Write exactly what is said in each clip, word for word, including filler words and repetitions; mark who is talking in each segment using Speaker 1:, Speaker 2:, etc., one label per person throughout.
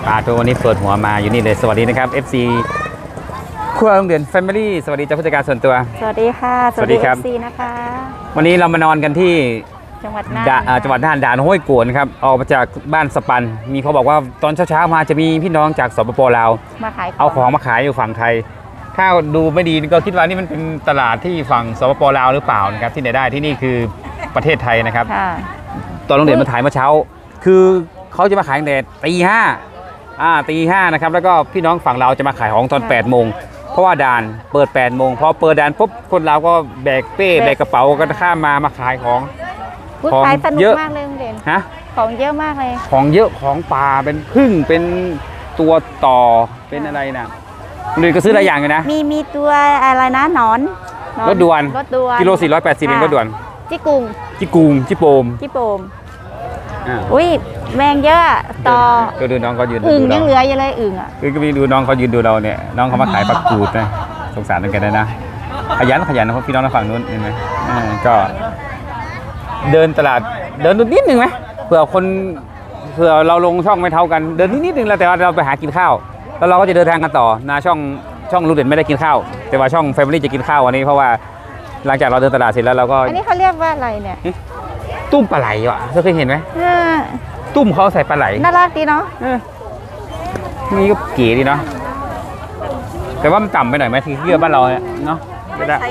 Speaker 1: ปาตัววันนี้เปิดหัวมาอยู่นี่เลยสวัสดีนะครับ เอฟ ซี ครัวโรงเรียน Family สวัสดีเจ้าผู้จัดการส่วนตัว
Speaker 2: สวัสดีค่ะ
Speaker 1: สวัสดีครับ
Speaker 2: เอฟ ซี นะคะ
Speaker 1: วันนี้เรามานอนกันที่
Speaker 2: จังหวัดน่าน
Speaker 1: จังหวัดน่านด่านห้วยโกวนครับออกมาจากบ้านสปันมีเขาบอกว่าตอนเช้าๆมาจะมีพี่น้องจากสปปลาว
Speaker 2: มาขาย
Speaker 1: เอาของมาขายอยู่ฝั่งไทยถ้าดูไม่ดีก็คิดว่านี่มันเป็นตลาดที่ฝั่งสปปลาวหรือเปล่านะครับที่ไหนได้ที่นี่คือประเทศไทยนะครับตอนโรงเรียนมาถ่ายเมื่อเช้าคือเขาจะมาขายตั้งแต่ตีห้าอ่าตีห้านะครับแล้วก็พี่น้องฝั่งเราจะมาขายของตอนแปดโมงเพราะว่าด่านเปิดแปดโมงพอเปิดด่านปุ๊บคนเราก็แบกเป้แบกกระเป๋ากันข้ามมามาขายของ
Speaker 2: ของขายสนุกมากเลยโรงเรียน
Speaker 1: ฮะ
Speaker 2: ของเยอะมากเลย
Speaker 1: ของเยอะของปลาเป็นพึ่งเป็นตัวต่อเป็นอะไรนะเรียนก็ซื้อหลายอย่างเลยนะ
Speaker 2: มีมีตัวอะไรนะหนอน
Speaker 1: รถด่วน
Speaker 2: รถด่วน
Speaker 1: กิโลสี่ร้อยแปดสิบเป็นรถด่วน
Speaker 2: จิกุง
Speaker 1: จิกุงจิโปม
Speaker 2: จิโปมอุ้ยแมงเยอะต่อ
Speaker 1: ก็ดูน้องเขายืน
Speaker 2: อึ่งยังเหลืออยู่เลยอึ่งอ่ะ
Speaker 1: คือก็มีดูน้องเขายืนดูเราเนี่ยน้องเขามาขายปักกูดนะสงสารเหมือนกันนะขยันขยันนะพี่น้องฝั่งนู้นเห็นไหมก็เดินตลาดเดินนิดนึงไหมเผื่อคนเผื่อเราลงช่องไม่เท่ากันเดินนิดนึงแล้วแต่ว่าเราไปหากินข้าวแล้วเราก็จะเดินทางกันต่อนะช่องช่องลูกเด่นไม่ได้กินข้าวแต่ว่าช่องแฟมิลี่จะกินข้าววันนี้เพราะว่าหลังจากเราเดินตลาดเสร็จแล้วเราก็
Speaker 2: อันนี้เขาเรียกว่าอะไรเนี่ย
Speaker 1: ตุ้มปลาไหลวะเธอเคยเห็นไหมตุ้มเขาใส่ปลาไหล
Speaker 2: น่ารักดีเนาะ
Speaker 1: นี่ก็เก๋ดีเนาะแต่ว่ามันต่ำไปหน่อยไหมที่เยื่อบ้านเราเนี่ยเนาะไม่ได้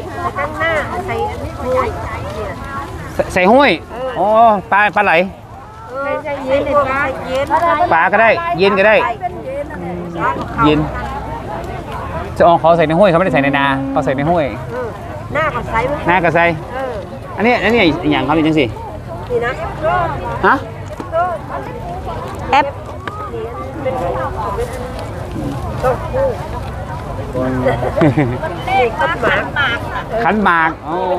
Speaker 1: ใส่ห้วยอ๋อปลาปลาไหลปลาก็ได้เย็นก็ได้เย็นจะเอาเขาใส่ในห้วยเขาไม่ได้ใส่ในนาเขาใส่ในห้วย
Speaker 3: หน้ากับไซ
Speaker 1: หน้ากับไซอันนี้อันนี้อย่างเขาเป็นยังสิ
Speaker 3: นี่นะ
Speaker 1: ฮะ
Speaker 2: แอป
Speaker 1: ขันหมากอ๋อ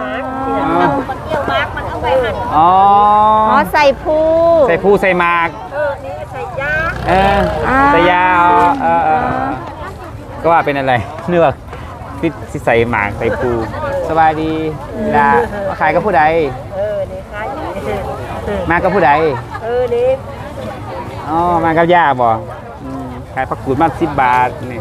Speaker 1: อ๋อ
Speaker 2: ใส่ผู้
Speaker 1: ใส่ผู้ใส่หมาก
Speaker 3: เออนี่ใส่ยา
Speaker 1: เออใส่ยาเออก็ว่าเป็นอะไรเนื้อที่ใส่หมากใส่ผู้สบายดีดาขายกับผู้ใด
Speaker 3: เออนี่ขาย
Speaker 1: มากับผู้ใด
Speaker 3: เออนี่
Speaker 1: อ๋อมากับย่าบ่ขายผักกูดมาสิบบาทนี่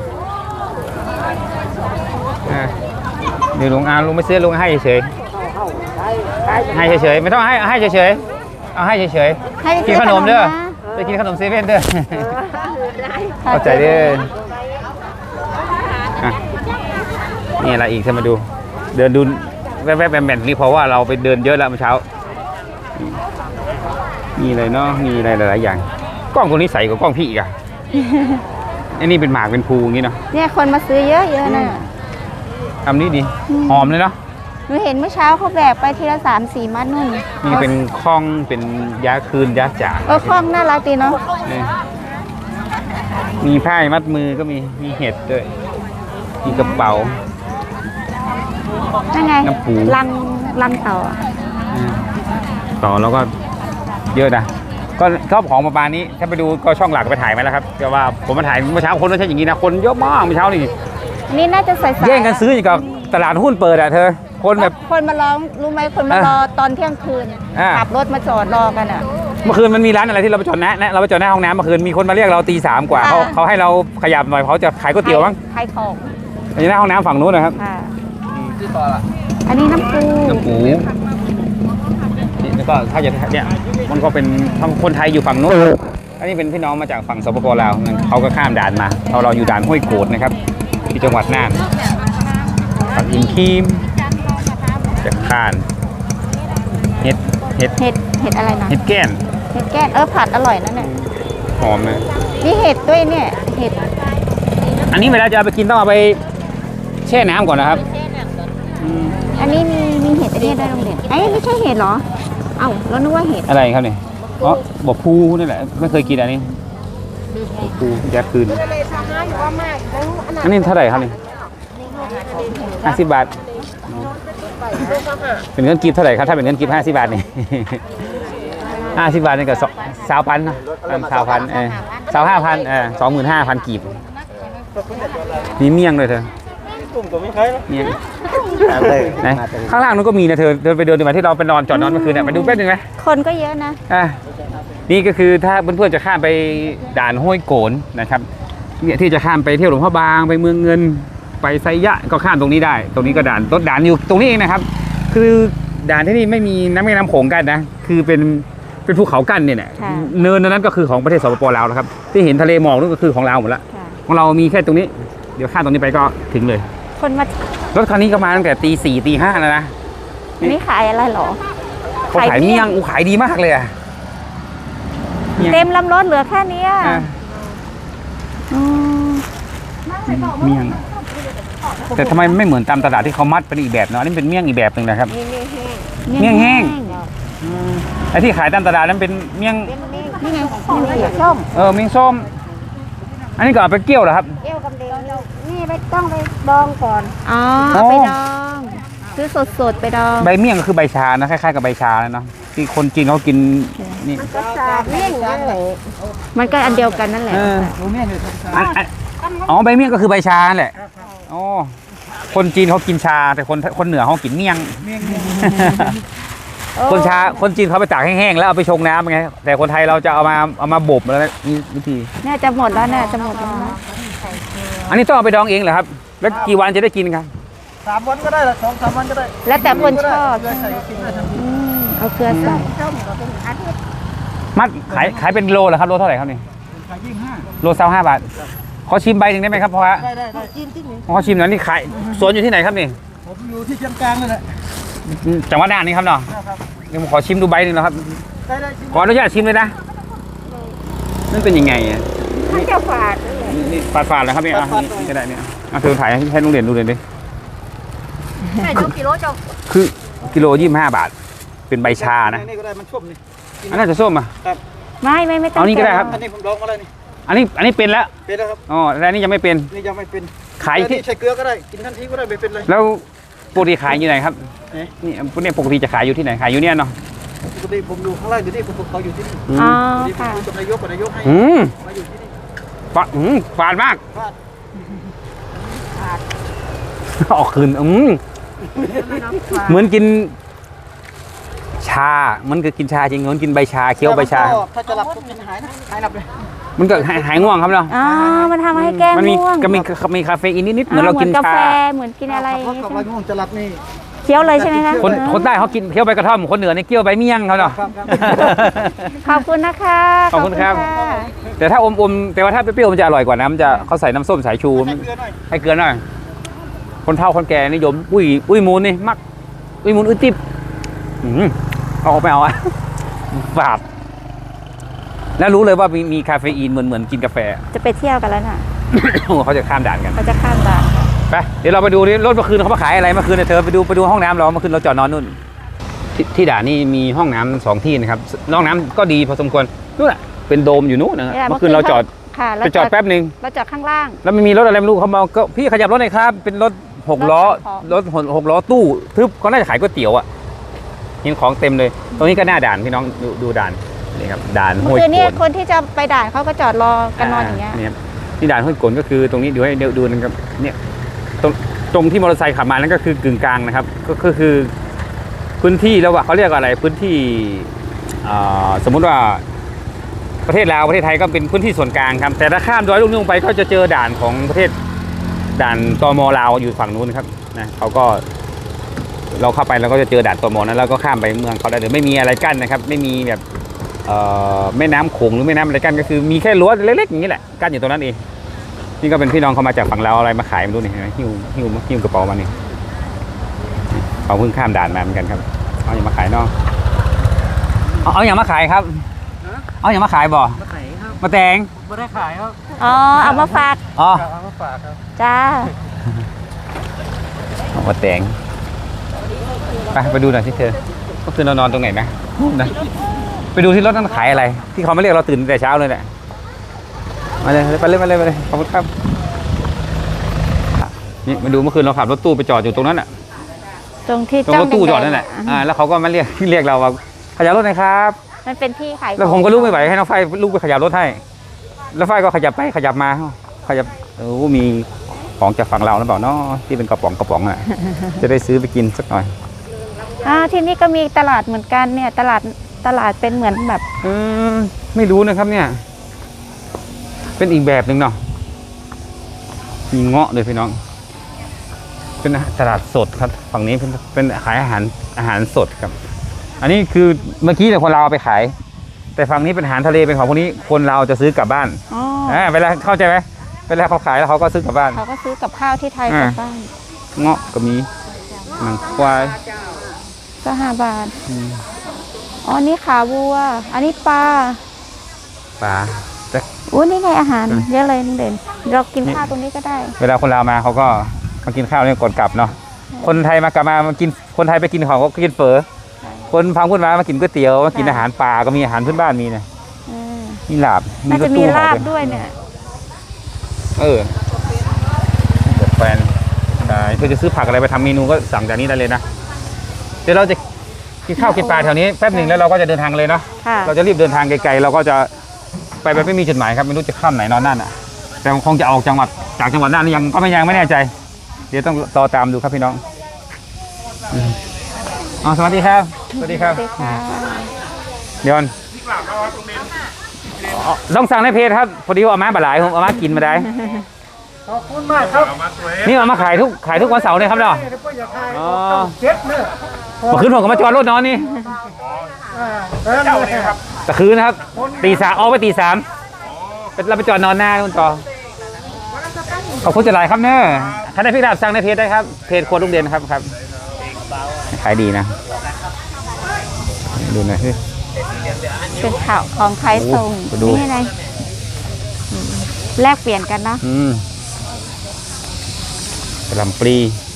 Speaker 1: เดี๋ยวลุงอาลุงไม่ซื้อลุงให้เฉยให้เฉยไม่ต้องให้ให้เฉยเอาให้เฉยกินขนมเด้อไปกินขนมเซเว่นเด้อเข้าใจเด้อนี่อะไรอีกเธอมาดูเดินดูแวบๆแบนๆนี่เพราะว่าเราไปเดินเยอะแล้วเมื่อเช้ามีอะไรเนาะมีอะไรหลายๆอย่างกล้องตัวนี้ใสกว่ากล้องพี่อีกอ่ะอันนี้เป็นหมากเป็นภูอย่างนี้เนาะ
Speaker 2: เนี่ยคนมาซื้อเยอะเยอะนะ
Speaker 1: ทำนี้ดีหอมเลยเนาะ
Speaker 2: หนูเห็นเมื่อเช้าเขาแบกไปทีละสามสี่มัดนู่น
Speaker 1: นี่เป็นคล้องเป็นยาคืนยาจ่า
Speaker 2: เออคล้องน่ารักดีเนาะ
Speaker 1: มีผ้ามัดมือก็มีมีเห็ดด้วยมีกระเป๋า
Speaker 2: นั่นไงลังลังเต่า
Speaker 1: ต่อแล้วก็เยอะนะก็ชอบของประมาณนี้ถ้าไปดูก็ช่องหลักไปถ่ายไหมล่ะครับแต่ว่าผมมาถ่ายเมื่อเช้าคนไม่ใช่อย่างนี้นะคนเยอะมากเมื่อเช้านี่
Speaker 2: นี่น่าจะใส่
Speaker 1: แย่งกันซื้ออย่างกับตลาดหุ้นเปิดอ่ะเธอคนแบบ
Speaker 2: คนมาร้องรู้ไหมคนมารอตอนเที่ยงคืนขับรถมาจอดรอกันอ่ะ
Speaker 1: เมื่อคืนมันมีร้านอะไรที่เราไปจอดนะเราไปจอดหน้าห้องน้ำเมื่อคืนมีคนมาเรียกเราตีสามกว่าเขาเขาให้เราขยับหน่อยเขาจะขายก๋วยเตี๋ยวมั้ง
Speaker 2: ขายของ
Speaker 1: อยู่หน้าห้องน้ำฝั่งนู้นนะครับ
Speaker 2: อันนี้น้ำปู
Speaker 1: น้ำปูแล้วก็ถ้าจะเนี่ยมันก็เป็นคนไทยอยู่ฝั่งนู้นอันนี้เป็นพี่น้องมาจากฝั่งสปปลาวเขาก็ข้ามด่านมาเราเราอยู่ด่านห้วยโกดนะครับที่จังหวัดน่านผักอินคีมจากข้านเห็ดเห็ด
Speaker 2: เห็ดเห็ดอะไรนะ
Speaker 1: เห็ดแก้น
Speaker 2: เห็ดแก้นเออผัดอร่อยนั่นแหละ
Speaker 1: หอมนะ
Speaker 2: นี่เห็ดด้วยเนี่ยเห็ด
Speaker 1: อันนี้เวลาจะเอาไปกินต้องเอาไปแช่น้ำก่อนนะครับ
Speaker 2: อันนี้มีมีเห็ดอันนี้ได้โรงเรียนไอ้ไม่ใช่เห็ดหรอเอ้าเรานึกว่าเห็ด
Speaker 1: อะไรครับเนี่ยอ๋อบอกพูนี่แหละไม่เคยกินอันนี้พูยัดคืนอันนี้เท่าไหร่ครับนี่ห้าสิบบาทเป็นเงินกีบเท่าไหร่ครับถ้าเป็นเงินกีบห้าสิบบาทนี่ห้าสิบบาทนี่ก็สาวพันนะสาวพันเออสาวห้าพันเออสองหมื่นห้าพันกีบมีเมี่ยงเลยเธอเมี่ยงข้างล่างนู้นก็มีนะเธอเดินไปเดินดูมาที่เราไปนอนจอดนอนเมื่อคืนเนี่ยไปดูแป๊บนึงไหม
Speaker 2: คนก็เยอะนะ
Speaker 1: อ่ะนี่ก็คือถ้าเพื่อนๆจะข้ามไปด่านห้วยโกนนะครับเนี่ยที่จะข้ามไปเที่ยวหลวงพ่อบางไปเมืองเงินไปไซยะก็ข้ามตรงนี้ได้ ตรงนี้ก็ด่านรถด่านอยู่ตรงนี้เองนะครับ คือด่านที่นี่ไม่มีน้ำแม่น้ำโขงกันนะคือเป็นเป็นภูเขากั้นเนี่ยนะเนินนั้นก็คือของประเทศสปปลาวแล้วครับที่เห็นทะเลหมอกนั่นก็คือของลาวหมดละของเรามีแค่ตรงนี้เดี๋ยวข้ามตรงนี้ไปก็ถึงเลย
Speaker 2: คนมาร
Speaker 1: ถคันนี้ก็มาตั้งแต่ตีสี่ตีห้าแล้วนะ
Speaker 2: นี่ขายอะไรเหรอ
Speaker 1: เขาขายเมี่ยงอูขายดีมากเลยอะ
Speaker 2: เต็มลำรถเหลือแค่นี้อ่ะ
Speaker 1: อ่ะ
Speaker 2: อืม
Speaker 1: เมี่ยงแต่ทำไมไม่เหมือนตามตลาดที่เขามัดเป็นอีกแบบเนาะอันนี่เป็นเมี่ยงอีกแบบหนึ่งนะครับ
Speaker 3: นี่นี่แห้ง
Speaker 1: เมี่ยงแห้ง ไอ้ที่ขายตามตลาดนั้นเป็นเมี่ยง
Speaker 3: นี่ไงนี่ไงส้ม
Speaker 1: เออเมี่ยงส้มอันนี้ก็เอาไปเกี่ยวเหรอครับ
Speaker 3: เอวกำเดงนี่ไปต้องไปดองก่อน
Speaker 2: อ๋อเอาไปดองซื้อสดๆไปดอง
Speaker 1: ใบเมี่ยงก็คือใบชานะคล้ายๆกับใบชาเลยเนาะที่คนจีนเขากินนี่
Speaker 3: ก็สาดเมี่ยงนั่นแหละ
Speaker 2: มันก็อันเดียวกันนั่นแหละ
Speaker 1: เอออันอันอ๋อใบเมี่ยงก็คือใบชาแหละอ๋อคนจีนเขากินชาแต่คนคนเหนือเขากินเมี่ยง คนชาคนจีนเขาไปตากแห้งๆแล้วเอาไปชงน้ำไงแต่คนไทยเราจะเอามาเอามาบ่มแล้วนี่วิธี
Speaker 2: เนี่ยจะหมดแล้วเนี่ยจะหมดแล้วนะ
Speaker 1: อันนี้ต้องเอาไปดองเองเหรอครับ แล้วกี่วันจะได้กินครับ
Speaker 4: สามวันก็ได้ละสองสามวันก็ได้
Speaker 2: แล้วแต่คนชอบ
Speaker 4: ใส่กินได้ทั้ง
Speaker 2: อืมเอาเกลือใส่
Speaker 3: ส้มก็เป็นอาทิตย์
Speaker 1: มัดขายขายเป็นโลเหรอครับโลเท่าไหร่ครับนี่
Speaker 4: ขายยี่ห้า
Speaker 1: โลเซาห้าบาทขอชิมใบหนึ่งได้ไหมครับเพราะว่า
Speaker 4: ได้ได้ได้
Speaker 3: กินที่นี่
Speaker 1: ขอชิมหน่อยนี่ขายสวนอยู่ที่ไหนครับนี่
Speaker 4: ผมอยู่ที่เชียงกลางนั่นแหละ
Speaker 1: จังหวัดน่านนี่ครับเนาะ
Speaker 4: นะครับ
Speaker 1: เดี๋ยวผมขอชิมดูใบหนึ่งนะครับ
Speaker 4: ได้ได้ชิม
Speaker 1: ขออนุญาตชิมเลยนะนั่นเป็นยังไงอ่ะ
Speaker 3: มันจะฝาด
Speaker 1: นี่ฝาดฝาดๆเลยครับนี่อ่ะนี่ก็ได้เนี่ยอ่ะเธอถ่ายให้ลุงเด่นดูเลยดิ
Speaker 3: ใช่เจ้ากิโลเจ้า
Speaker 1: คือกิโลยี่สิบห้าบาท เป็นใบชานะ
Speaker 4: นี่ก็ได้มันชุ่มนี่
Speaker 1: อันน่าจะส้มอ่ะ
Speaker 2: ไม่ไม่ไม่ต้อง
Speaker 1: เอานี่ก็ได้ครับ
Speaker 4: อันนี้ผมลองมาแล้วนี่
Speaker 1: อันนี้อันนี้เป็นแล้ว
Speaker 4: เป็นแล้วครับ
Speaker 1: อ๋อแต่อันนี้ยังไม่เป็น
Speaker 4: นี่ยังไม่เป็น
Speaker 1: ขายที่
Speaker 4: นี่ใช้เกลือก็ได้กินทันทีก็ได้ไม่เป็นเลย
Speaker 1: แล้วปกติขายอยู่ไหนครับ
Speaker 4: เอ๊ะ
Speaker 1: นี่พวกนี้ปกติจะขายอยู่ที่ไหนขายอยู่เนี่ยเนาะ
Speaker 4: ปกติผมอยู่ข้างล่างอยู่นี่ผมเขาอยู่ที่นี่
Speaker 2: อ๋อ
Speaker 4: นี่ผม
Speaker 2: ค่ะ
Speaker 4: อยู่กับนายกกับนายกให้
Speaker 1: อืม
Speaker 4: มาอยู่ที่นี่
Speaker 1: ฝาดอืมฝาดมาก
Speaker 4: พลาด
Speaker 1: ออกคืนอืมเหมือนกิน ชา มันก็กินชาจริงเหมือนกินใบชาเคี้ยวใบชา
Speaker 4: แต่มันก็ถ้าจะหลับก็กินหายนะหายหลับเลย
Speaker 1: มันก็หายหายง่วงครับเนาะ
Speaker 2: อ๋อมันทำให้แก้
Speaker 1: มันมี
Speaker 2: ง่วง
Speaker 1: ก็มีมีคาเฟอีนนิดๆเหมือนเรากิน
Speaker 2: กา
Speaker 1: ชา
Speaker 2: แฟเหมือนกินอะไร
Speaker 4: ถ้าขับรถง่วงจะหลับนี่
Speaker 2: เคี้ยวเลยใช่ไหมคะ
Speaker 1: คนคนใต้เขากินเคี้ยวใบกระท่อมคนเหนือเนี่ยเคี้ยวใบเมี่ยงเขาเนาะ
Speaker 4: ครับครับ
Speaker 2: ขอบคุณนะคะ
Speaker 1: ขอบคุณครับ
Speaker 2: ะ
Speaker 1: แต่ถ้าอมๆแต่ว่าถ้าเปรี้ยวๆมันจะอร่อยกว่านะมันจะเขาใส่น้ำส้มสายชู
Speaker 4: ให้เกลือหน่อย
Speaker 1: ให้เกลือหน่อยคนเฒ่าคนแก่นิยมอุ้ยอุ้ยมูลนี่มักอุ้ยมูลอุ้ยติ๊บอืมเอาออกไปเอาอะ ฝาดแล้วรู้เลยว่ามีมีคาเฟอีนเหมือนเหมือนกินกาแฟ
Speaker 2: จะไปเที่ยวกันแล้วน่ะ
Speaker 1: เขาจะข้ามด่านกัน
Speaker 2: เขาจะข้ามด่าน
Speaker 1: ไปเดี๋ยวเราไปดูดิรถเมื่อคืนเขามาขายอะไรเมื่อคืนเนี่ยเธอไปดูไปดูห้องน้ำเราเมื่อคืนเราจอดนอนนู่นทที่ด่านนี่มีห้องน้ำสองที่นะครับห้องน้ำก็ดีพอสมควรนู่นน่ะเป็นโดมอยู่นู่นนะ
Speaker 2: เนี่ย
Speaker 1: เมื่อคืนเราจอด
Speaker 2: ค่ะ
Speaker 1: ไปจอดแป๊บหนึ่ง
Speaker 2: เราจอดข้างล่าง
Speaker 1: แล้วไม่มีรถอะไรไม่รู้เขามาก็พี่ขยับรถหน่อยครับเป็นรถหกล้อ
Speaker 2: รถขายของ
Speaker 1: รถหกล้อตู้ทึบเขาน่าจะขายก๋วยเตี๋ยวอ่ะเห็นของเต็มเลย ตรงนี้ก็หน้าด่านพี่น้องดูดูด่านนี่ครับด่านห้
Speaker 2: เมื่
Speaker 1: วย
Speaker 2: อคืน
Speaker 1: โก
Speaker 2: เนี่ย
Speaker 1: น
Speaker 2: คนที่จะไปด่านเขาก็จอดรอกันนอนอย่างเงี้ย
Speaker 1: นี่ครับที่ด่านห้วยโกนก็คือตรงนี้เดี๋ยวให้เดี๋ยวดูนะครับเนี่ยตรงตรงที่มอเตอร์ไซค์ขับมานั่นก็คือกึ่งกลางนะครับก็ก็คือพื้นที่แล้วว่าเขาเรียกอะไรพื้นที่อ่าสมมุติว่าประเทศลาวประเทศไทยก็เป็นพื้นที่ส่วนกลางครับแต่ถ้าข้ามดอยลูกนี้ลงไปก็จะเจอด่านของประเทศด่านตมลาวอยู่ฝั่งนู้นครับนะเขาก็เราเข้าไปเราก็จะเจอด่านตมนั้นแล้วก็ข้ามไปเมืองเขาได้เลยไม่มีอะไรกั้นนะครับไม่มีแบบเอ่อแม่น้ำโขงหรือแม่น้ำอะไรกั้นก็คือมีแค่รั้วเล็กๆอย่างนี้แหละกั้นอยู่ตรงนั้นเองนี่ก็เป็นพี่น้องเขามาจากฝั่งลาวอะไรมาขายมาดูนี่เห็นไหมหิ้วหิ้วหิ้วกระเป๋ามานี่เขาเพิ่งข้ามด่านมาเหมือนกันครับเอาอย่างมาขายเนาะเอาเอาอย่างมาขายครับเอาอย่างมาขายบ่
Speaker 4: มาขายครับ
Speaker 1: มาแตง
Speaker 4: ไม่ได้ขายครับ
Speaker 2: อ๋อเอามาฝาก
Speaker 1: อ๋อ
Speaker 4: เอามาฝากครับ
Speaker 2: จ้า
Speaker 1: เอามาแตงไปไปดูหน่อยที่เธอก็คือเรานอนตรงไหนนะนะไปดูที่รถนั้นขายอะไร ที่เขาไม่เรียกเราตื่นแต่เช้าเลยแหละมาเลยไปเลยไปเลยไปเลยขอบคุณครับนี่มาดูเมื่อคืนเราขับรถตู้ไปจอดอยู่ตรงนั้นอ่ะ
Speaker 2: ตรงที่
Speaker 1: ตรง
Speaker 2: จ้
Speaker 1: ร
Speaker 2: อง
Speaker 1: ถตู้จอด
Speaker 2: แๆ
Speaker 1: นั่นแหละ
Speaker 2: อ่
Speaker 1: อ่าแล้วเขาก็มาเรียกเรียกเราว่าขยับรถหน่อยครับ
Speaker 2: มันเป็นที่ขาย
Speaker 1: แล้วผมก็ลุกไม่ไหวให้น้องไฟลุกไปขยับรถให้ แล้วไฟก็ขยับไปขยับมาขยับโอ้มีของจากฝั่งเราหรือเปล่าเนาะที่เป็นกระป๋องกระป๋องอ่ะ จะได้ซื้อไปกินสักหน่อย
Speaker 2: อ่าที่นี่ก็มีตลาดเหมือนกันเนี่ยตลาดตลาดเป็นเหมือนแบบ
Speaker 1: เออไม่รู้นะครับเนี่ย เป็นอีกแบบหนึ่งเนาะมีเงาะเลยพี่น้อง เป็นตลาดสดครับฝั่งนี้เป็นเป็นขายอาหารอาหารสดครับ อันนี้คือเมื่อกี้แต่คนเราวเอาไปขาย แต่ฝั่งนี้เป็นอาหารทะเลเป็นของพวกนี้คนเราจะซื้อกลับบ้าน
Speaker 2: อ๋อ
Speaker 1: อ่าเวลาเข้าใจไหมเวลาเขาขายแล้วเขาก็ซื้อกลับบ้าน
Speaker 2: เขาก็ซื้อกับข้าวที่ไทยกลับบ้าน
Speaker 1: เงาะก็มีหนังควาย
Speaker 2: ก็ห้าบาท
Speaker 1: อืม
Speaker 2: อ๋อนี่ขาวัว อันนี้ปลา
Speaker 1: ปลาแต่
Speaker 2: อู้นี่ไงอาหาร
Speaker 1: อืม
Speaker 2: เยอะเลยลุงเด่นเรากินข้าวตรงนี้ก็ได้
Speaker 1: เวลาคนลาวมาเขาก็มากินข้าวเนี่ยก่อนกลับเนาะคนไทยมากลับมามากินคนไทยไปกินของก็กินเฝอคนพังพูดมามากินก๋วยเตี๋ยวมากิน
Speaker 2: ใช่
Speaker 1: อาหารป่าก็มีอาหารพื้นบ้านมีนะ
Speaker 2: เออ
Speaker 1: มีลาบ
Speaker 2: น่าจะ
Speaker 1: รถ
Speaker 2: มี
Speaker 1: ตู้
Speaker 2: ลาบ
Speaker 1: ห่อ
Speaker 2: ด้วยเนี่ย
Speaker 1: เออเปิดแฟนใช่เพื่อจะซื้อผักอะไรไปทำเมนูก็สั่งจากนี้ได้เลยนะเดี๋ยวเราจะกินข้าวกินปลาแถวนี้แป๊บหนึ่งแล้วเราก็จะเดินทางเลยเนาะ
Speaker 2: ค่ะ
Speaker 1: เราจะรีบเดินทางไกลๆเราก็จะไปแบบไม่มีจุดหมายครับไม่รู้จะข้ามไหนนอนนั่นอ่ะแต่คงจะออกจังหวัดจากจังหวัดน่านยังก็ไม่ยังไม่แน่ใจ เดี๋ยวต้องรอตามดูครับพี่น้องอืมอ๋อสวัสดีครับสวัสดีครับ
Speaker 2: สวัสดีค่ะ
Speaker 1: เดี๋ยวก่อนอ๋อต้องสั่งในเพจครับพอดีว่าเอามาบะหลายผมเอามากินมาได้
Speaker 4: ขอบคุณมากครับ
Speaker 1: นี่เอามาขายทุกขายทุกวันเสาร์เลยครับเนาะ
Speaker 4: เดี๋ยวพ่ออยากให้
Speaker 1: อ๋อ
Speaker 4: เจ็ดเนี่ย
Speaker 1: เมื่อคืนผมก็มาจอดรถนอนนี่
Speaker 4: อ่าเออเนี่ยครับ
Speaker 1: แต่คืนนะครับตีสามออกไปตีสามเป็นเราไปจอดนอนหน้าคุณต่อขอบคุณจะหลายครับเนอะถ้าได้พี่ดาบสั่งในเพจได้ครับเพจครัวลุงเด่นครับครับขายดีนะดูหน่อยสิ
Speaker 2: เป็นข่าวของใครส่ง
Speaker 1: โอ้โหดู
Speaker 2: นี่ไงอืมแลกเปลี่ยนกันเนาะ
Speaker 1: อืมกระหลำปลี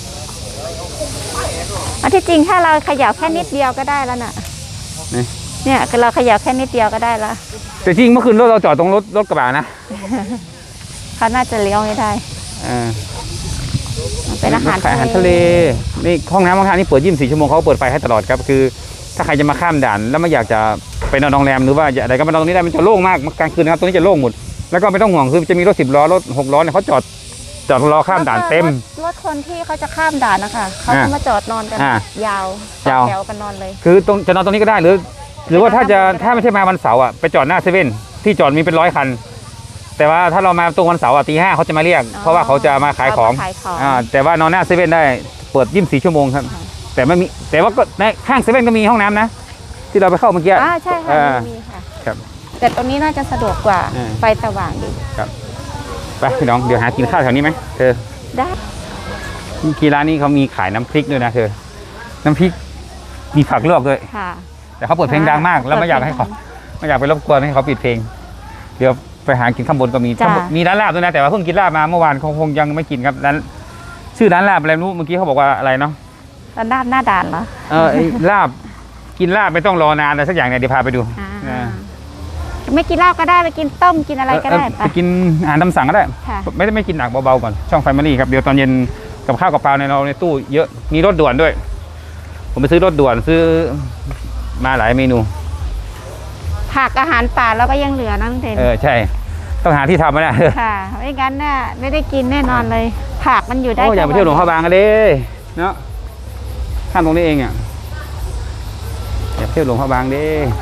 Speaker 2: อันที่จริงถ้าเราเขย่าแค่นิดเดียวก็ได้แล้วน่ะ
Speaker 1: นี่
Speaker 2: เนี่ยเราเขย่าแค่นิดเดียวก็ได้แล้ว
Speaker 1: แต่จริงเมื่อคืนรถเราจอดตรงรถรถกระบะนะ
Speaker 2: เขาน่าจะเลี้ยวไม่ได้
Speaker 1: อ่า
Speaker 2: เป็นอาหาร
Speaker 1: ขายอาหารทะเลนี่ห้องน้ำห้องท่านี่เปิดยี่สิบสี่ชั่วโมงเขาเปิดไฟให้ตลอดครับคือ ถ้าใครจะมาข้ามด่านแล้วไม่อยากจะไปนอนโรงแรมหรือว่าอะไรก็มานอนตรงนี้ได้มันจะโล่งมากกลางคืนนะครับตรงนี้จะโล่งหมดแล้วก็ไม่ต้องห่วงคือจะมีรถสิบล้อรถหกล้อเนี่ยเขาจอดจอดรอข้ามด่านเต็ม
Speaker 2: รถรถคนที่เขาจะข้ามด่านนะคะเขา
Speaker 1: อ่า
Speaker 2: จะมาจอดนอนกัน
Speaker 1: อ่าย
Speaker 2: าว
Speaker 1: ยาว
Speaker 2: แถวกันนอนเลย
Speaker 1: คือตรงจะนอนตรงนี้ก็ได้หรือ หรือว่าถ้าจะถ้าไม่ใช่มาวันเสาร์อ่ะไปจอดหน้าเซเว่นที่จอดมีเป็นร้อยคัน แต่ว่าถ้าเรามาตรงวันเสาร์อ่ะตีห้าเขาจะมาเรียก เพราะว่าเขาจะมาขายของ
Speaker 2: เขายของ
Speaker 1: อ่าแต่ว่านอนหน้าเซเว่นได้เปิดยี่สิบสี่ชั่วโมงครับ แต่ไม่มีแต่ว่าก็ในข้างเซเว่นก็มีห้องน้ำนะ ที่เราไปเข้าเมื่อกี้
Speaker 2: อ่าใช่ค่ะ
Speaker 1: อ่า
Speaker 2: มีค่ะ
Speaker 1: ครับ
Speaker 2: แต่ตรงนี้น่าจะสะดวกกว่า
Speaker 1: อ่า
Speaker 2: ไฟสว่างดี
Speaker 1: ไปพี่น้องเดี๋ยวหากินข้าวแถวนี้ไหมเธอ
Speaker 2: ได้
Speaker 1: กีร้านนี้เขามีขายน้ำพริกด้วยนะเธอ น้ำพริกมีผักลวกด้วย
Speaker 2: ค่ะ
Speaker 1: แต่เขาเปิดเพลงดังมาก แล้วไม่อยากให้เขาไม่อยากไปรบกวนให้เขาปิดเพลง เดี๋ยวไปหากินข้างบนก็มี
Speaker 2: จ้ะ
Speaker 1: ข้างบนมีร้านลาบด้วยนะแต่ว่าเพิ่งกินลาบมาเมื่อวานคงคงยังไม่กินครับร้านชื่อร้านลาบอะไรไม่รู้เมื่อกี้เขาบอกว่าอะไรเนาะ
Speaker 2: แล้วด้านหน้าด่านเหรอ
Speaker 1: เออไอ้ลาบกินลาบไม่ต้องรอนานอะไรสักอย่างเนี่ยเดี๋ยวพาไปดู
Speaker 2: อ่า
Speaker 1: อ่า
Speaker 2: ไม่กินเหล้าก็ได้ไปกินต้มกินอะไรก็ได้
Speaker 1: เออ
Speaker 2: ไป
Speaker 1: ไปกินอาหารตามสั่งก็ได้
Speaker 2: ค่ะ
Speaker 1: ไม่ได้ไม่กินหนักเบาๆก่อนช่องไฟมารี่ครับเดี๋ยวตอนเย็นกับข้าวกับปลาในเราในตู้เยอะมีรถด่วนด้วย ผมไปซื้อรถด่วนซื้อมาหลายเมนู
Speaker 2: ผักอาหารป่าเราก็ยังเหลือนะลุงเทน
Speaker 1: เออใช่ต้องหาที่ทำมาเนี่ย
Speaker 2: ค่ะไม่งั้นน่ะไม่ได้กินแน่นอนเลย ผักมันอยู่ได้
Speaker 1: โอ้อยากไปเที่ยวหลวงพระ
Speaker 2: แค่
Speaker 1: บางกันเลยเนาะข้ามตรงนี้เองอ่ะอยากเที่ยวหลวงพระบางเด้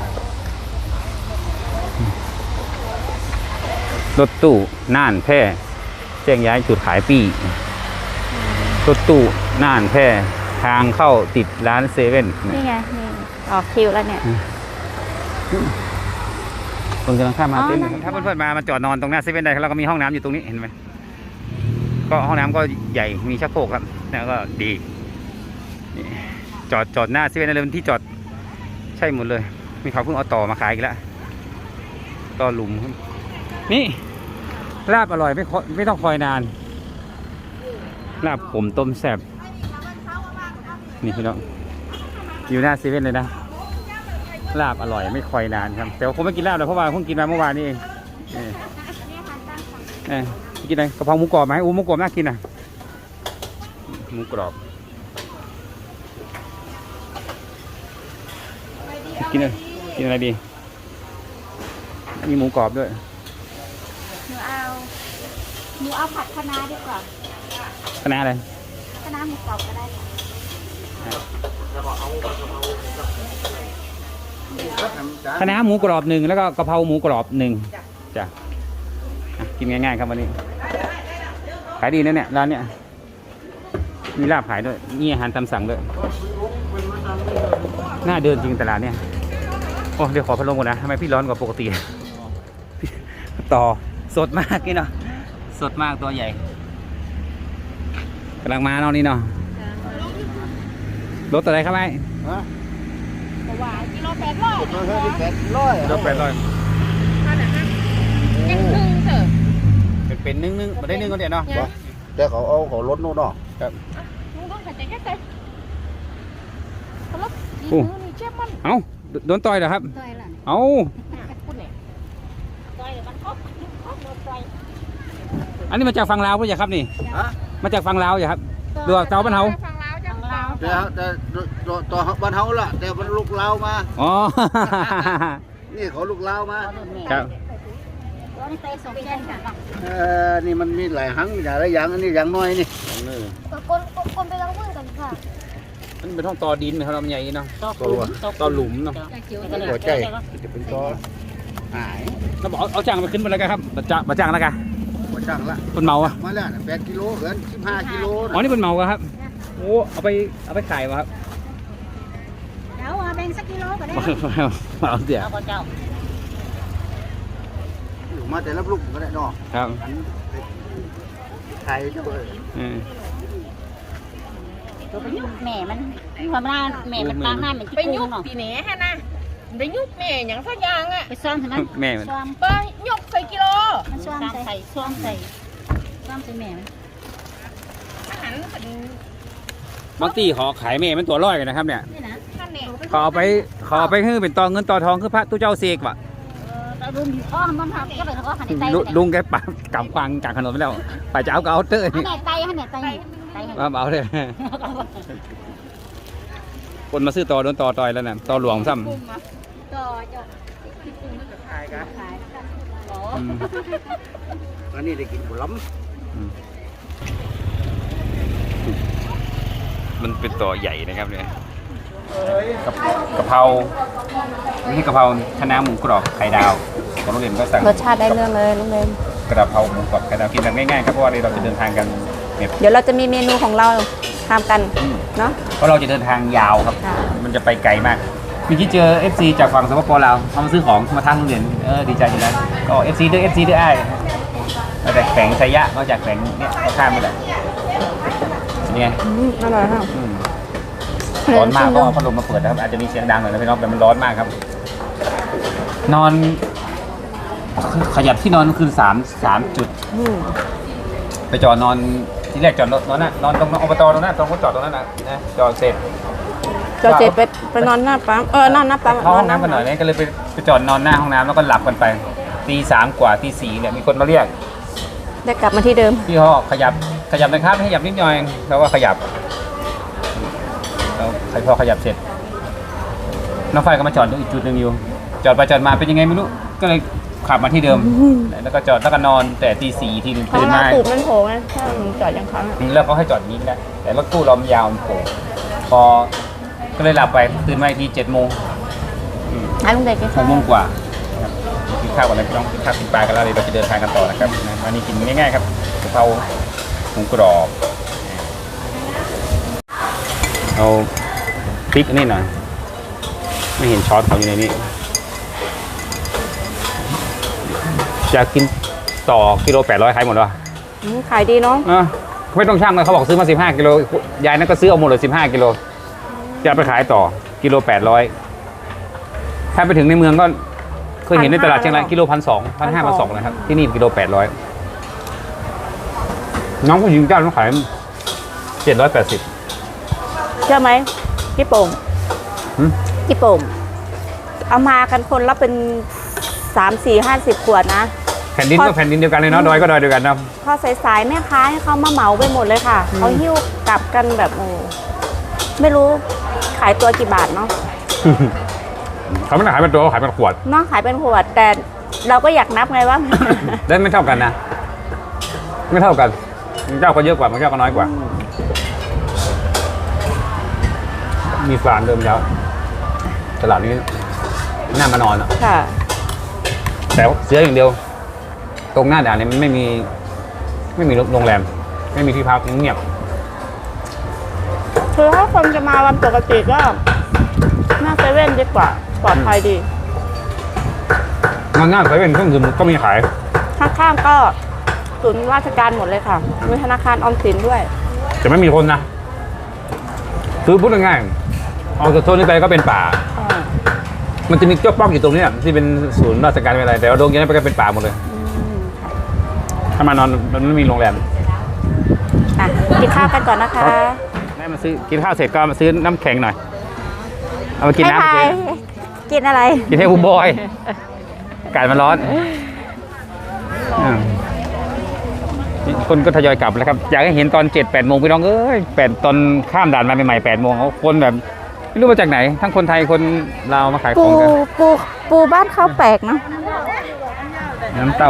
Speaker 1: รถตู้น่านแพร่แจ้งย้ายจุดขายปี้รถตู้น่านแพร่ทางเข้าติดร้านเซเว่น
Speaker 2: นี่ไงนี่ออกคิวแล้วเนี่ย
Speaker 1: คนกำลังข้ามมา
Speaker 2: อ๋อ
Speaker 1: เต็มเลย
Speaker 2: นั่น
Speaker 1: ถ้าเพื่อนๆมามาจอดนอนตรงหน้าเซเว่นได้แล้วก็มีห้องน้ำอยู่ตรงนี้เห็นไหมก็ห้องน้ำก็ใหญ่มีชักโครกครับแล้วก็ดีนี่จอดจอดหน้าเซเว่นได้เลยเป็นที่จอดใช่หมดเลย มีเขาเพิ่งเอาต่อมาขายอีกแล้วต่อหลุมครับนี่ลาบอร่อยไม่คอยไม่ต้องคอยนานลาบผมต้มแซ่บนี่พี่น้องอยู่หน้าเซเว่นเลยนะลาบอร่อยไม่คอยนานครับแต่ว่าผมไม่กินลาบเลยเพราะว่าเพิ่งกินมาเมื่อวานนี้เองเออเออกินอะไรกะเพราหมูกรอบไหมอู้หมูกรอบน่ากินอ่ะหมูกรอบกินอะไรกินอะไรดีมีหมูกรอบด้วย
Speaker 2: หนูเอาหนูเอาผัดคะน้าดีกว่า
Speaker 1: คณะอะไร
Speaker 2: คะน้าหมูกรอบก็ได้ค่ะ
Speaker 1: นคะน้าหมูกรอบหนึ่งแล้วก็กะเพราหมูกรอบหนึ่งจ้ะอ่ะกินง่ายๆครับวันนี้ขายดีนะเนี่ยร้านเนี้ยมีลาบขายด้วยมีอาหารตามสั่งด้วยน่าเดินจริงตลาดเนี่ยโอ้เดี๋ยวขอพัดลมก่อนนะทำไมพี่ร้อนกว่าปกติต่อสดมากนี่เนาะสดมากตัวใหญ่กำลังมาเนาะนี่เนาะรถอะไรครับไอ้
Speaker 4: ฮะ
Speaker 3: หวานกิโลแปดร้อย
Speaker 4: ตัวเท่าที่แปดร้อย
Speaker 1: รถแปดร้อย
Speaker 3: ยังครึ่งเถอะ
Speaker 1: เป็นเป็นนึ่งนึ่งมาได้นึ่งก็เดี๋ยวเนาะ
Speaker 4: แต่เขาเอาเขาลดนู่นเนาะ
Speaker 1: ครับ
Speaker 3: มึงต้องขัดใจแค่ใจเขาลบดีมือนี่เจ็บมัน
Speaker 1: เอ้าโดนต่อยเหรอครับ
Speaker 2: ต่อยล่ะ
Speaker 1: เอ้า
Speaker 3: พูดเนี่ยต่อยมันครบครบต่อย
Speaker 1: อันนี้มาจากฝั่งลาวป่ะอย่าครับนี่
Speaker 4: ฮะ
Speaker 1: มาจากฝั่งลาวอย่าครับดูเจ้าบ้านเฮา
Speaker 3: ฟังลาวจังลาว
Speaker 4: แต่แต่ตัวตัวบ้านเฮาล่ะแต่มันลูกลาวมา
Speaker 1: อ๋อ
Speaker 4: นี่เขาลูกลาวมา
Speaker 1: ครับ
Speaker 3: เราได้ไปส่งแจ้งค่ะ
Speaker 4: เออนี่มันมีหลายหังอย่างละอย่างอันนี้อย่างน้อยนี่
Speaker 3: ก็คนคนไปลองมือกันค่ะ
Speaker 1: มันเป็นห้องต่อดินไหมครับเราใหญ่เนาะ
Speaker 4: ตัว
Speaker 1: ต่อหลุมเนาะ
Speaker 4: หัวใจจะเป็นตัวหาย
Speaker 1: เราบอกเอาจ้างมาขึ้นมาแล้วกันครับมาจ้างมาจ้างแล้วกัน
Speaker 4: หัวช่างละ
Speaker 1: เป็นเมาอะ
Speaker 4: มาแล้วแปดกิโลเกินสิบห้ากิโล
Speaker 1: อ๋อนี่เป็นเมาอะครับโอ้เอาไปเอาไปขายวะครับ
Speaker 3: เดี๋ยวแบ่งสักกิโลก็ได้
Speaker 1: เอาเดี๋ยว
Speaker 3: เอาเจ้า
Speaker 4: มาแต่ละลูกก็ได้เนาะ
Speaker 1: ครับ
Speaker 4: ไทยด้วย
Speaker 1: อืม
Speaker 3: แม่มันความน่าแม่มันตางหน้าเหมือน
Speaker 5: ไป
Speaker 3: ที่
Speaker 5: ยุ
Speaker 3: กุ้
Speaker 5: ก
Speaker 3: งเนาะ
Speaker 5: ปีแหนฮะนะไปยุกแม่อย่างสักอย่างอ่ะ
Speaker 3: ไปซ้อมใช่ไหม
Speaker 1: แม่มัน
Speaker 3: ซ้อม
Speaker 5: ไปยกใส่กิโล
Speaker 3: มันซ้อมใส่ซ้อมใส่ซ้อมใส่แม่มัน
Speaker 5: อาหารเป็น
Speaker 1: บางทีขอขายแม่มันตัวร้อยกันนะครับเนี่ย
Speaker 3: นี่นะ
Speaker 5: ท่านเนี่ย
Speaker 1: ขอเอาไปขอเอาไปให้เป็นตอเงินตอทองคือพระตู้เจ้าเสกว่ะ
Speaker 3: เราลุงอ้อมมันทำก็เลยเขาก็หันไต
Speaker 1: ลุลุงแกปักกำควางกลางถนนไปแล้วไปจะเอาก็เอาเตอร์
Speaker 3: หัน
Speaker 1: นี่
Speaker 3: ไตหันไตไต
Speaker 1: มาเอาเลยคนมาซื้อต่อโดนต่อต่อยแล้วนะต่อหลวงซ้
Speaker 5: กุ้งอ่ะ
Speaker 3: ต่อจะ
Speaker 5: ขายกัน
Speaker 3: ขาย
Speaker 1: ำอืม
Speaker 4: อันนี้ได้กินผลไม้
Speaker 1: อืมมันเป็นต่อใหญ่นะครับเนี่ยกะกะเพรานี่กะเพราคะน้าหมูกรอบไข่ดาวของโรงเรียนก็สั่ง
Speaker 2: รสชาติได้เรื่องเลยลุงเรม
Speaker 1: กระเพราหมูกรอบไข่ดาวกินแบบง่ายๆครับเพราะว่าเราจะเดินทางกันเนี่ย
Speaker 2: เดี๋ยวเราจะมีเมนูของเราทำกันเนาะ
Speaker 1: เพราะเราจะเดินทางยาวครับ
Speaker 2: ค่ะ
Speaker 1: มันจะไปไกลมากเมื่อกี้เจอ เอฟ ซี จากฝั่งสปปลาวเขามาซื้อของมาทางโรงเรียนเออดีใจอยู่นะก็ เอฟ ซี ด้วย เอฟ ซี ด้วยไอ้มาจากแขวงไซยะมาจากแขวงเนี่ยเขาข้ามไปแหละเนี่ย
Speaker 2: อร่อยค่ะ
Speaker 1: อืมร้อนมากก็เอาพัดลมมาเปิดนะครับอาจจะมีเสียงดังหน่อยนะพี่น้องแต่มันร้อนมากครับ นอนขยับที่นอนคืนสามสามจุด
Speaker 2: อืม
Speaker 1: ไปจอดนอนที่แรกจอดรถนอนน่ะนอนตรงอบตตรงนั้นตรงรถจอดตรงนั้นนะนะจอดเสร็จ
Speaker 2: เราเจ็ดไปไปนอนหน้าปั๊มเออนอนหน้าปั๊ม
Speaker 1: เข้าห้องน้ำกันหน่อยเนี่ยก็เลยไปไปจอดนอนหน้าห้องน้ำแล้วก็หลับกันไปตีสามกว่าตีสี่เนี่ยมีคนมาเรียก
Speaker 2: ได้กลับมาที่เดิม
Speaker 1: พี่เขาขยับขยับนะครับขยับนิดหน่อยแล้วก็ขยับแล้วใครพอขยับเสร็จน้องไฟก็มาจอดอีกจุดหนึ่งอยู่ จอดไปจอดมาเป็นยังไงไม่รู้ก็เลยขับมาที่เดิม แล้วก็จอดแล้วก็นอนแต่ตีสี่ทีหนึง
Speaker 2: เพราะ
Speaker 1: ตื่น
Speaker 2: ว่า
Speaker 1: มา
Speaker 2: ตูดมันโผล่ไงถ้าหนูจอดยังค้างอะ
Speaker 1: แล้วเขาให้จอดอย่างนี้ก็ได้แต่รถตู้เรามันยาวมันโผล่พอก็เลยหลับไปตื่นมาอีกทีเจ็ดโมง
Speaker 2: ให้ลุงเด็กกิน
Speaker 1: ห
Speaker 2: ข้าก ว
Speaker 1: โมงกว่านะครับกินข้าวกันแล้วพี่น้องกินข้าวกินปลากันแล้วเดี๋ยวเราจะเดินทางกันต่อนะครับนะวันนี้กินง่ายๆครับกะเพราหมูกรอบเอาพริกอันนี่หน่อยไม่เห็นช้อนเขาอยู่ในนี้จะกินต่อกิโลแปดร้อยขายหมดวะ
Speaker 2: อืมขายดีเนาะ
Speaker 1: อ่ะไม่ต้องช่างเลยเขาบอกซื้อมาสิบห้ากิโลยายนั่นก็ซื้อเอาหมดเลยสิบห้ากิโลจะเอาไปขายต่อกิโลแปดร้อยถ้าไปถึงในเมืองก็เคยเห็นในตลาดเชียงรายกิโลพันสองพันห้าพันสองนะครับที่นี่กิโลแปดร้อยน้องผู้หญิงเจ้าต้องขายเจ็ดร้อยแปดสิบ
Speaker 2: เชื่อไหมพี่โป่ง
Speaker 1: หืม
Speaker 2: พี่โป่งเอามากันคนละเป็นสามสี่ห้าสิบขวดนะ
Speaker 1: แผ่นดิน
Speaker 2: พ
Speaker 1: ก็
Speaker 2: อ
Speaker 1: แผ่นดินเดียวกันเลยเนาะดอยก็ดอยเดียวกันเนาะ
Speaker 2: พอสายๆแม่ค้าให้เขามาเหมาไปหมดเลยค่ะเขาหิ้วกลับกันแบบโอ้ไม่รู้ขายตัวกี่บาทเนาะ
Speaker 1: เขาไม่ได้ขายเป็นตัวเขาขายเป็นขวด
Speaker 2: เนาะขายเป็นขวดแต่เราก็อยากนับไงว่า
Speaker 1: ได้ไม่เท่ากันนะไม่เท่ากันบางเจ้าก็เยอะกว่าบางเจ้าก็น้อยกว่า มีฟานเดิมแล้วตลาดนี้น่ามานอนอะ
Speaker 2: ค่ะ
Speaker 1: แต่เสืออย่างเดียว ตรงหน้าด่านเนี่ยมันไม่มี ไม่มีโรงแรม ไม่มีที่พักเงียบ
Speaker 2: คือถ้าคนจะมาวันปกติก็หน้าเซเว่นดีกว่าปลอดภัยดี
Speaker 1: งานหน้าเซเว่นเครื่องดื่มก็มีขาย
Speaker 2: ข้างๆก็ศูนย์ราชการหมดเลยค่ะมีธนาคารออมสินด้วย
Speaker 1: แต่ไม่มีคนนะคือพูดง่ายๆออกจากโซนนี้ไปก็เป็นป่า มันจะมีเจ้าป้องอยู่ตรงนี้อะที่เป็นศูนย์ราชการอะไรแต่ว่าโรงเรียนนั้นไปก็เป็นป่าหมดเลย ถ้ามานอนมันไม่มีโรงแรม
Speaker 2: อ่ะกินข้าวกันก่อนนะคะ
Speaker 1: แม่มาซื้อกินข้าวเสร็จก็มาซื้อน้ำแข็งหน่อย เอามากิน
Speaker 2: ให้
Speaker 1: น้ำ
Speaker 2: ทาย
Speaker 1: กิน
Speaker 2: กินอะไร
Speaker 1: กินให้คุณบอยอากาศมันร้อนอ่าคนก็ทยอยกลับแล้วครับ อยากให้เห็นตอนเจ็ดแปดโมงพี่น้องเอ้ยแปดตอนข้ามด่านมาใหม่ๆแปดโมงเขาคนแบบไม่รู้มาจากไหน ทั้งคนไทยคนลาวมาขายข
Speaker 2: ปู
Speaker 1: องกัน
Speaker 2: ปูปูบ้านเขาแปลกเนาะ
Speaker 1: น้ำเต้า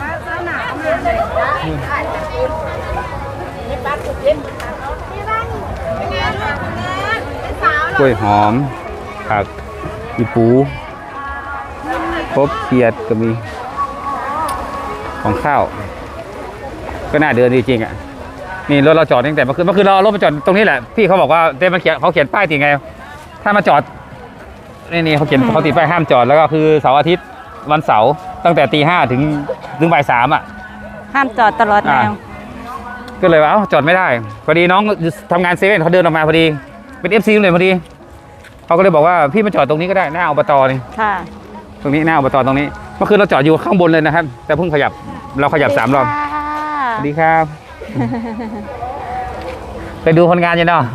Speaker 1: กล้วยหอมผักอีปูครบเขียดก็มีของข้าว ก็น่าเดินดีจริงอ่ะนี่รถเราจอดตั้งแต่เมื่อคืนเมื่อคืนเราเอารถมาจอดตรงนี้แหละพี่เขาบอกว่าเต้มันเขียนเขาเขียนป้ายติดไง ถ้ามาจอดนี่นี่เขาเขียนเขาติดป้ายห้ามจอดแล้วก็คือเสาร์อาทิตย์วันเสาร์ตั้งแต่ตีห้าถึงถึงบ่ายสามอ่ะ
Speaker 2: ห้ามจอดตลอดแนว
Speaker 1: ก็เลยว่าเอ้าจอดไม่ได้พอดีน้องทำงานเซเว่นเขาเดินออกมาพอดีเป็นเอฟซีเลยพอดีเขาก็เลยบอกว่าพี่มาจอดตรงนี้ก็ได้หน้าอบตนี่
Speaker 2: ค่ะ
Speaker 1: ตรงนี้หน้าอบตตรงนี้เมื่อคืนเราจอดอยู่ข้างบนเลยนะครับ แต่เพิ่งขยับเราขยับสามรอบสวัสดีครับ ไปดูคนงานอยู่เนาะ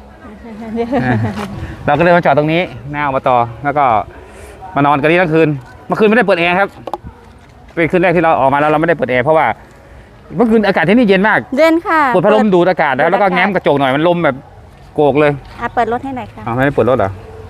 Speaker 1: เราก็เลยมาจอดตรงนี้หน้าอบตแล้วก็มานอนกันนี่ทั้งคืนเมื่อคืนไม่ได้เปิดแอร์ครับเป็นคืนแรกที่เราออกมาแล้วเราไม่ได้เปิดแอร์เพราะว่าเมื่อคืนอากาศที่นี่เย็นมาก
Speaker 2: เย็นค่ะ
Speaker 1: เปิดพัดลมดูดอากาศแล้วแล้วก็แง้มกระจกหน่อยมันลมแบบโกกเลย
Speaker 2: อ่ะเปิดรถให้หน่อยค่ะ
Speaker 1: อ้าวไม่ได้เปิดรถเหรอ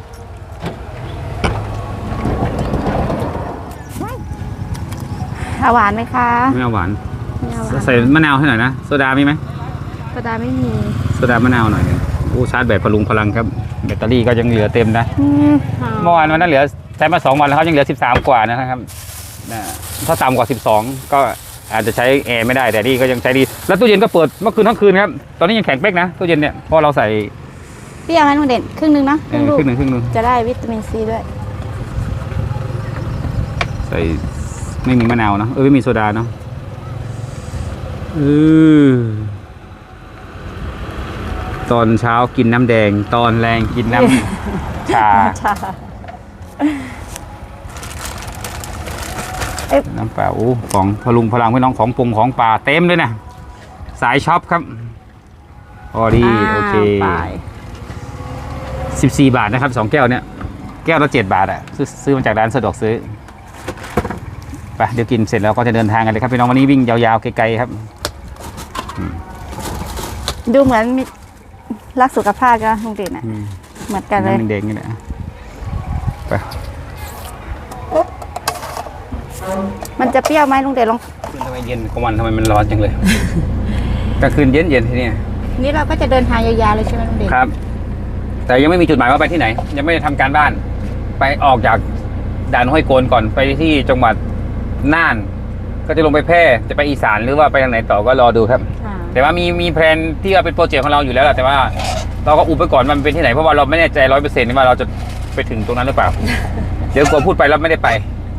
Speaker 2: หวานไหมคะ
Speaker 1: ไม่เอาหวาน
Speaker 2: ไม่เอาหวาน
Speaker 1: ใส่มะนาวให้หน่อยนะโซดามีไหม
Speaker 2: โซดาไม่มี
Speaker 1: โซดามะนาวหน่อยหนึ่งโอ้ชาร์จแบตพลุงพลังครับแบตเตอรี่ก็ยังเหลือเต็มนะ
Speaker 2: อืม
Speaker 1: เมื่อวานวันนั้นเหลือใช้มาสองวันแล้วเขายังเหลือสิบสามกว่านะครับนะถ้าต่ำกว่าสิบสองก็อาจจะใช้แอร์ไม่ได้แต่นี่ก็ยังใช้ดีแล้วตู้เย็นก็เปิดเมื่อคืนทั้งคืนครับตอนนี้ยังแข็งเป๊กนะตู้เย็นเนี่ยเพราะเราใส่
Speaker 2: พี่เอาให้ลุงเด่นครึ่งหนึงเนาะค
Speaker 1: เอ
Speaker 2: รึ่ง
Speaker 1: อ
Speaker 2: ลูก
Speaker 1: ครึ่งหนึ่งครึ่งหนึ่ง
Speaker 2: จะได้วิตามินซีด้วย
Speaker 1: ใส่ไม่มีมะนาวเนาะเออไม่มีโซดาเนาะเออตอนเช้ากินน้ำแดง ตอนแรงกินน้ำ ชา
Speaker 2: ชา
Speaker 1: น้ำเปล่าโอ้ของพลุงพลังพี่น้องของปรุงของป่าเต็มเลยนะสายช็อปครับพอดีโอเค
Speaker 2: ไป
Speaker 1: สิบสี่บาทนะครับสองแก้วเนี่ยแก้วละเจ็ดบาทอ่ะซื้อซื้อมาจากร้านสะดวกซื้อไปเดี๋ยวกินเสร็จแล้วก็จะเดินทางกันเลยครับพี่น้องวันนี้วิ่งยาวๆไกลๆครับ
Speaker 2: ดูเหมือนมีรักสุขภาพกันลุงเด่นอ่ะ
Speaker 1: อืม
Speaker 2: เหมือนกันเลย
Speaker 1: น้ำแดงๆนี่แหละไป
Speaker 2: มันจะเปรี้ยวไหมลุงเด่นลอง
Speaker 1: คืนทำไมเย็นกลางวันทำไมมันร้อนจังเลยกลางคืนเย็นๆที่นี่
Speaker 2: นี่เราก็จะเดินทางยาวๆเลยใช่ไหมลุงเด่น
Speaker 1: ครับ แต่ยังไม่มีจุดหมายว่าไปที่ไหน ยังไม่ได้ทำการบ้าน ไปออกจากด่านห้วยโกนก่อนไปที่จังหวัดน่าน ก็จะลงไปแพร่จะไปอีสานหรือว่าไปทางไหนต่อก็รอดูครับ
Speaker 2: ค่ะ
Speaker 1: แต่ว่ามีมีแพลนที่ว่าเป็นโปรเจกต์ของเราอยู่แล้วแหละแต่ว่าเราก็อุบไปก่อนว่ามันเป็นที่ไหนเพราะว่าเราไม่แน่ใจร้อยเปอร์เซ็นต์ว่าเราจะไปถึงตรงนั้นหรือเปล่า เดี๋ยวกลัวพูดไปแล้วไม่ได้ไป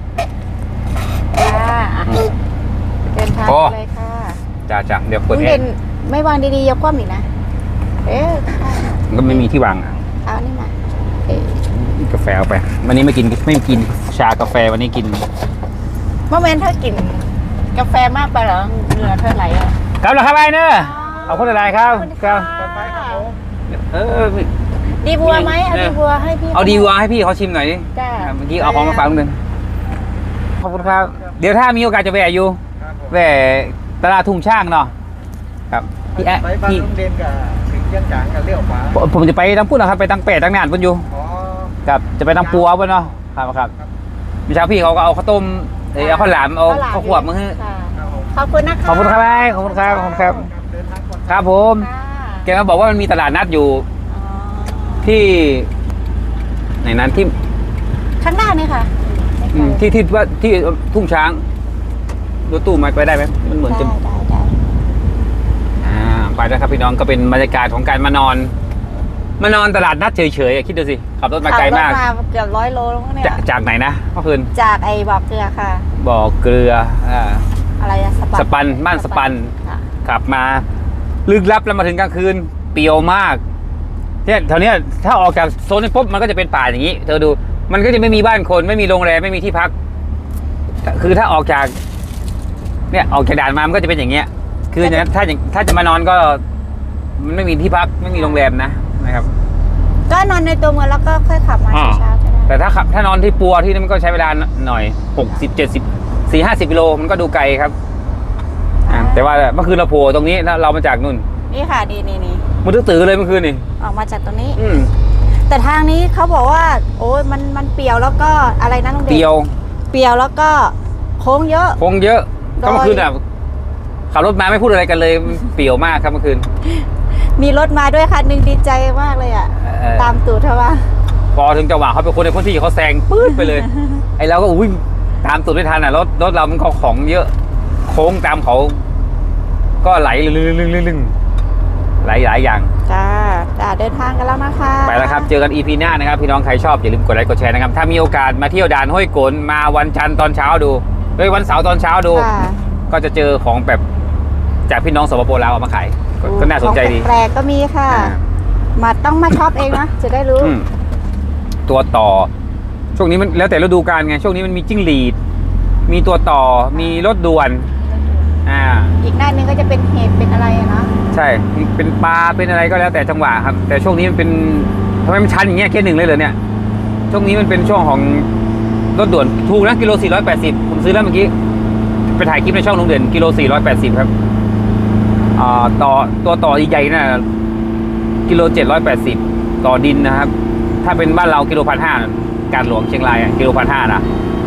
Speaker 2: ค่ะเดินทาง
Speaker 1: โอ้
Speaker 2: เลยค่ะ
Speaker 1: จ้าจ้าเดี๋ยว
Speaker 2: ลุ
Speaker 1: เปิด
Speaker 2: ง
Speaker 1: แอ
Speaker 2: เด่น
Speaker 1: ร์
Speaker 2: ไม่วางดีๆอย่าคว่ำอีกนะ เอ๊ะค่ะ
Speaker 1: ก็ไม่มีที่วางอ่ะ
Speaker 2: เอานี่มาเอ๊ะ
Speaker 1: กาแฟเอาไปวันนี้ไม่กินไม่กินชากาแฟวันนี้กิน
Speaker 2: เมื่อเว้นถ้ากินกาแฟมากไปเหรอเหงื่อเธอไหลอ่ะ
Speaker 1: ครับแล้วครับไอ้เนอะเอาคนอะไรครับครับเออ
Speaker 2: ดีบัวไหมเอาดีบัวให้พี่
Speaker 1: เอาดีวัวให้พี่เขาชิมหน่อยดิ
Speaker 2: จ้า
Speaker 1: เมื่อกี้เอาของมาฝากนิดนึงขอบคุณครับ เดี๋ยวถ้ามีโอกาสจะแวะอยู่แวะตลาดทุ่งช่างเนาะครับพี่แอะ
Speaker 4: ไปบ้าน
Speaker 1: พี่
Speaker 4: ลุงเด่นกับถึงเชียงจางกับเลี้ยวขวา
Speaker 1: ผมผมจะไปทางพูดนะครับไปทางเป็ดทางนานพุ่นอยู่
Speaker 4: อ๋อ
Speaker 1: ครับจะไปทางปัวพุ่นเนาะครับครับเมื่อเช้าพี่เขาก็เอาข้าวต้มเอ้ยเอาข้าวหลามเอาข้าวขวบมาให้
Speaker 2: ค่ะ
Speaker 4: ครับผม
Speaker 2: ขอบคุณนะคะ
Speaker 1: ขอบคุณครับไอ้ขอบคุณครับขอบคุณครับ
Speaker 4: เดินทางก่อน
Speaker 1: ครับผม
Speaker 2: ค่ะ
Speaker 1: แกมาบอกว่ามันมีตลาดนัดอยู่
Speaker 2: อ๋อ
Speaker 1: ที่ไหนนั้นที่
Speaker 2: ข้างหน้านี่ค่ะ
Speaker 1: อืมที่ที่ว่าที่ทุ่งช้างรถตู้มาไปได้ไหมมันเหมือน
Speaker 2: ได้
Speaker 1: จะ
Speaker 2: ได้ได้
Speaker 1: อ่าไปแล้วครับพี่น้องก็เป็นบรรยากาศของการมานอน มานอนตลาดนัดเฉยๆอะคิดดูสิขับรถมาไกลมาก
Speaker 2: ขับรถมาเกือบร้อยโลแล้วเนี่ย
Speaker 1: จะจากไหนนะพ่อคืน
Speaker 2: จากไอ้บ่อเกลือค่ะ
Speaker 1: บ่อเกลืออ่า
Speaker 2: อะไรอะสปัน
Speaker 1: สปันบ้านสปัน
Speaker 2: ค่ะ
Speaker 1: ขับมาลึกลับแล้วมาถึงกลางคืนเปรียวมากเนี่ยแถวเนี้ยถ้าออกจากโซนนี้ปุ๊บมันก็จะเป็นป่าอย่างนี้ เธอดูมันก็จะไม่มีบ้านคนไม่มีโรงแรมไม่มีที่พัก คือถ้าออกจากเนี่ยออกจากด่านมามันก็จะเป็นอย่างเงี้ย คืออย่างนั้นถ้าอย่างถ้าจะมานอนก็มันไม่มีที่พักไม่มีโรงแรมนะนะครับ
Speaker 2: ก็นอนในตัวเมืองแล้วก็ค่อยขับมา
Speaker 1: อ่า
Speaker 2: เช้าๆก็ได้
Speaker 1: แต่ถ้าขับถ้านอนที่ปัวที่นั่นมันก็ใช้เวลาหน่อยหกสิบเจ็ดสิบสี่ห้าสิบกิโลมันก็ดูไกลครับอ่าแต่ว่าเมื่อคืนเราโผล่ตรงนี้แล้วเรามาจากนู่น
Speaker 2: นี่ค่ะนี่นี่นี่
Speaker 1: มันตื้อๆเลยเมื่อคืนนี่
Speaker 2: ออกมาจากตรงนี้
Speaker 1: อืม
Speaker 2: แต่ทางนี้เขาบอกว่า โอ้ยมันมันเปรียวแล้วก็อะไรนะลุงเดช
Speaker 1: เตียว
Speaker 2: เปรียวแล้วก็โค้งเยอะ
Speaker 1: คงเยอะ
Speaker 2: โดย
Speaker 1: ก็เมื่อคืนอ่ะขับรถมาไม่พูดอะไรกันเลยมันเปรี่ยวมากครับเมื่อคืน
Speaker 2: มีรถมาด้วยคันหนึ่งดีใจมากเลยอ่ะ
Speaker 1: เออ
Speaker 2: ตามตูดเธอว่า
Speaker 1: พอถึงจังหวะเขาเป็นคนในพื้นที่เขาแซงปื๊ดไปเลย ไอ้เราก็อุ้ยตามตูดไม่ทันอ่ะรถรถเรามันก็ของเยอะโค้งตามเขา ก็ไหลลึ่งๆๆๆไหลหลายอย่าง
Speaker 2: จ้าจ้าเดินทางกันแล้วนะคะ
Speaker 1: ไปแล้วครับ เจอกัน อี พี หน้านะครับ พี่น้องใครชอบอย่าลืมกดไลค์กดแชร์นะครับ ถ้ามีโอกาสมาเที่ยวด่านห้วยโกนมาวันจันทร์ตอนเช้าดูเฮ้ยวันเสาร์ตอนเช้าดู
Speaker 2: ค่ะ
Speaker 1: ก็จะเจอของแบบจากพี่น้องสปปลาวเอามาขายก็ก็น่าสนใจดี
Speaker 2: ของแปลกๆก็มีค่ะ
Speaker 1: อ่า
Speaker 2: มาต้องมาช็อปเองนะจะได้รู้
Speaker 1: อืมตัวต่อ ช่วงนี้มันแล้วแต่ฤดูกาลไง ช่วงนี้มันมีจิ้งหรีด มีตัวต่อ มีรถด่วน อ่า
Speaker 2: อีกหน้านึงก็จะเป็นเห็ดเป็นอะไรอะเนาะ
Speaker 1: ใช่ เป็นปลา เป็นอะไรก็แล้วแต่จังหวะครับ แต่ช่วงนี้มันเป็นทำไมมันชันอย่างเงี้ยแค่หนึ่งเลยเหรอเนี่ย ช่วงนี้มันเป็นช่วงของรถด่วน ถูกนะกิโลสี่ร้อยแปดสิบผมซื้อแล้วเมื่อกี้ ไปถ่ายคลิปในช่องลุงเด่นกิโลสี่ร้อยแปดสิบครับ อ่า ต่อ ตัวต่อใหญ่ๆน่ะกิโลเจ็ดร้อยแปดสิบต่อดินนะครับ ถ้าเป็นบ้านเรากิโลพันห้าการหลวงเชียงรายอ่ะกิโลพันห้านะ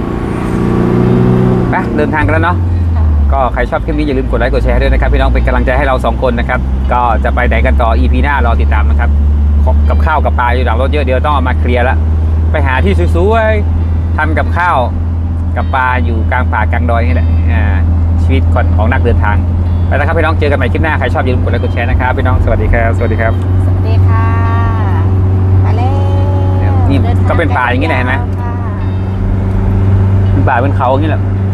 Speaker 1: ไปเดินทางกันแล้วเนาะ ก็ใครชอบคลิปนี้อย่าลืมกดไลค์กดแชร์ด้วยนะครับพี่น้องเป็นกำลังใจให้เราสองคนนะครับ ก็จะไปไหนกันต่อ อี พี หน้ารอติดตามนะครับกับข้าวกับปลาอยู่หลังรถเยอะเดี๋ยวต้องเอามาเคลียร์แล้วไปหาที่สวยๆทำกับข้าวกับปลาอยู่กลางป่ากลางดอยนี่แหละอ่าชีวิตของนักเดินทางไปแล้วครับพี่น้องเจอกันใหม่คลิปหน้าใครชอบอย่าลืมกดไลค์กดแชร์นะครับพี่น้องสวัสดีครับสวัสดีครับ
Speaker 2: สวัสดีค่ะไปแล้ว
Speaker 1: นี่
Speaker 2: ดิทง
Speaker 1: ก็เป็นป่าอย่างนี้แหละเห็นไหม
Speaker 2: ค่ะ
Speaker 1: เป็นป่าเป็นเขาอย่างนี้แหละ